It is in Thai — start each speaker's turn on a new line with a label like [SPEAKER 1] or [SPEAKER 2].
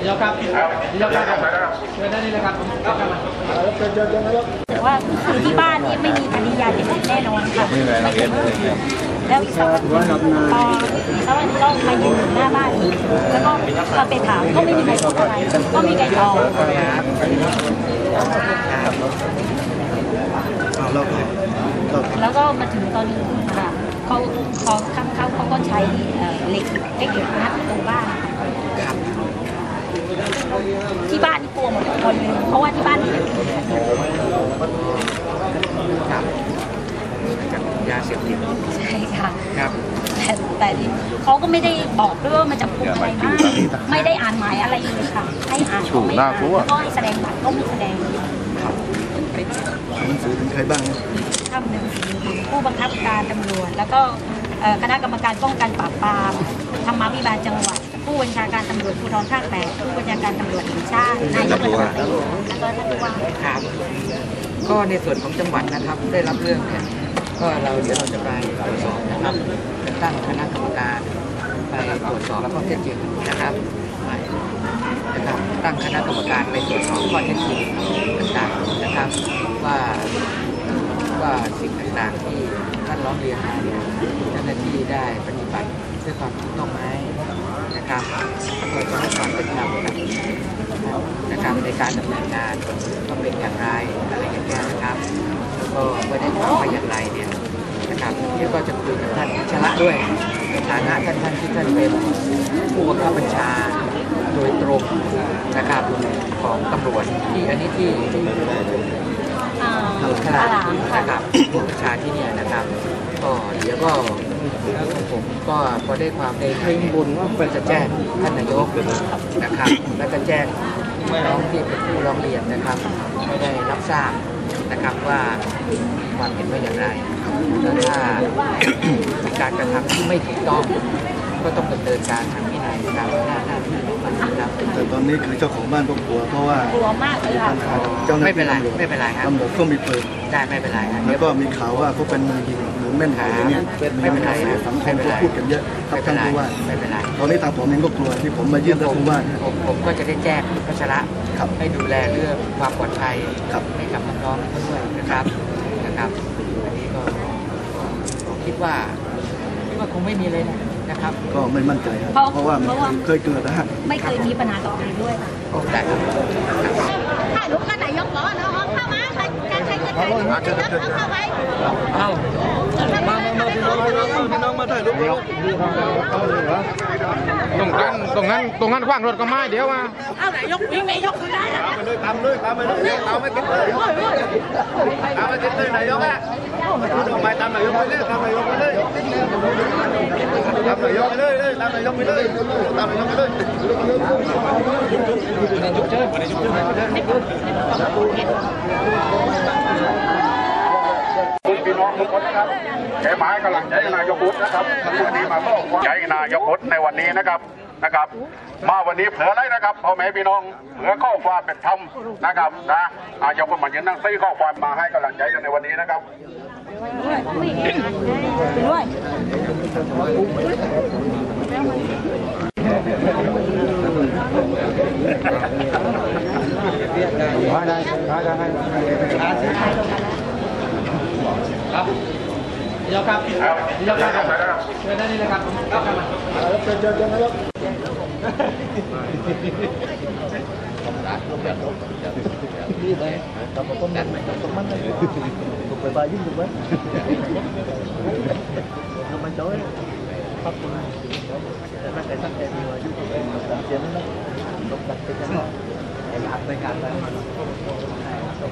[SPEAKER 1] ยกครับยกครับเชิญได้เลยครับ
[SPEAKER 2] แต่ว่าคือที่บ้านนี้ไม่มีคดียาเสพติดแน่นอนค่ะแล้วอีกสักวันพออีกสักวันก็มายืนหน้าบ้านอีกแล้วก็มาไปถามก็ไม่มีใครพูดอะไรก็มีใครตอบแล้วก็มาถึงตอนนี้ค่ะเขาก็ใช้เหล็กงัดประตูบ้านที่บ้านนี่กลัวหมดทุกคนเลยเพราะว่าที่บ้านนี่
[SPEAKER 3] ยาเสพติด
[SPEAKER 2] ใช่ค่ะ
[SPEAKER 3] ครับ
[SPEAKER 2] แต่เขาก็ไม่ได้บอกด้วยว่ามันจะพูดอะไรบ้างไม่ได้อ่านหมายอะไรเลยค่ะให้อ่านก็ไม่อ่านก็ให้แสดงบัตรก็ไม่แสดง
[SPEAKER 4] หนังสือถึงใครบ้าง
[SPEAKER 2] ทำหนึ่งผู้บังคับการตำรวจแล้วก็คณะกรรมการป้องกันปราบปรามธรรมาภิบาลจังหวัดผู้บัญชาการตำรวจภูธรภาค 8ผู้บัญชาการตำรวจแห่งชาตินายกรัฐมนตรีแล้วก็ท่านผู้ว่า
[SPEAKER 3] ครับก็ในส่วนของจังหวัดนะครับได้รับเรื่องเนี่ยก็เดี๋ยวเราจะไปตรวจสอบนะครับจะตั้งคณะกรรมการไปตรวจสอบข้อเท็จจริงนะครับตั้งคณะกรรมการไปตรวจสอบข้อเท็จจริงต่างๆนะครับว่าสิ่งต่างๆที่ท่านร้องเรียนมาเนี่ยเจ้าหน้าที่ได้ปฏิบัติด้วยความถูกต้องไหมนะครับก็จะให้ความเป็นธรรมนะครับในการดำเนินงานต้องเป็นอย่างไรอะไรอย่างเงี้ยนะครับแล้วก็ไม่ได้ทำไปอย่างไรเนี่ยนะครับที่ก็จะคุยกับท่านชละด้วยในฐานะท่านที่ท่านเป็นผู้บังคับบัญชาโดยตรงนะครับของตำรวจที่อันนี้ที่ขนาดนะครับผู้บัญชาที่เนี่ยนะครับก็เดี๋ยวก็ผมก็พอได้ความในเรื่องบุญว่าจะแจ้งท่านนายกนะครับแล้วก็แจ้งน้องที่เป็นผู้ร้องเรียนนะครับไม่ได้รับทราบนะครับว่าความเห็นว่าอย่างไรแล้วถ้าการกระทำที่ไม่ถูกต้องก็ต้องดำเนินการทางวินัยตามหน้าที่ของมันครับ
[SPEAKER 4] แต่ตอนนี้คือเจ้าของบ้านก็กลัวเพราะว่าก
[SPEAKER 2] ลัวมากเลยค่ะ
[SPEAKER 3] ไม่เป็นไรครับ
[SPEAKER 4] ตำรวจก็มีปืน
[SPEAKER 3] ได้ไม่เป็นไรครับ
[SPEAKER 4] แล้วก็มีข่าวว่าเขาเป็นมือยิงหรือแม่นอะไรเงี้ย
[SPEAKER 3] ไม่เป็นไร
[SPEAKER 4] สังคมก็พูดกันเยอะครับท่านผู้ว่า
[SPEAKER 3] ไม่เป็นไร
[SPEAKER 4] ตอนนี้ทางผมเองก็กลัวที่ผมมายื่นท่านผู้ว่า
[SPEAKER 3] ผมก็จะได้แจ้งพัชระให้ดูแลเรื่องความปลอดภัยให้กับน้องๆด้วยนะครับอันนี้ก็คิดว่าคงไม่มีเลยนะครับ
[SPEAKER 4] ก็ไม่มั่นใจครับเพราะว่าเคยเกิดนะฮะ
[SPEAKER 2] ไม่เคยมีปัญหากับใครด้วย
[SPEAKER 3] ได้ครับ
[SPEAKER 2] ถ่ายรูปกันไหนยกล้อเนาะเข้ามาใครจะถ่ายรูปเข้าไป
[SPEAKER 4] มาพี่น้องมาถ่ายรูป
[SPEAKER 1] ตรงนั้นขว้างรถก็ไม่เดี๋ยวมา
[SPEAKER 2] เอาไหนยกวิ่งไหนยกได้
[SPEAKER 4] ตามไปเลยตามไม่ติดเลยตามไม่ติดเลยไหนยกอ่ะทำไมตามไหนยกไปเลยตามไหนยกไปเลยตามไหนยกไปเลยตามไหนยกไปเลยตามไหนยกไปเลย
[SPEAKER 5] พี่น้องทุกคนนะครับแกหมายกำลังใจนายกบุตรนะครับวันนี้มาก็ใจนายกบุตรในวันนี้นะครับมาวันนี้เผื่ออะไรนะครับพ่อแม่พี่น้องเผื่อข้อความเป็นธรรมนะครับนะนายกก็มายืนนั่งซี่ข้อความมาให้กำลังใจกันในวันนี้นะครับ
[SPEAKER 1] ครับยกครับยกครับเชิญได้เลยครับเชิญนายกนี่เลยทำมาต้มมันถูกไปบายิ่งถูกไหมทำมันโจ้ยพักตัวแต่ถ้าใครตั้งใจมีอายุถูกไหมตัดเสียนั่นแหละต้องตัดไปกันไอ้หลักในการไป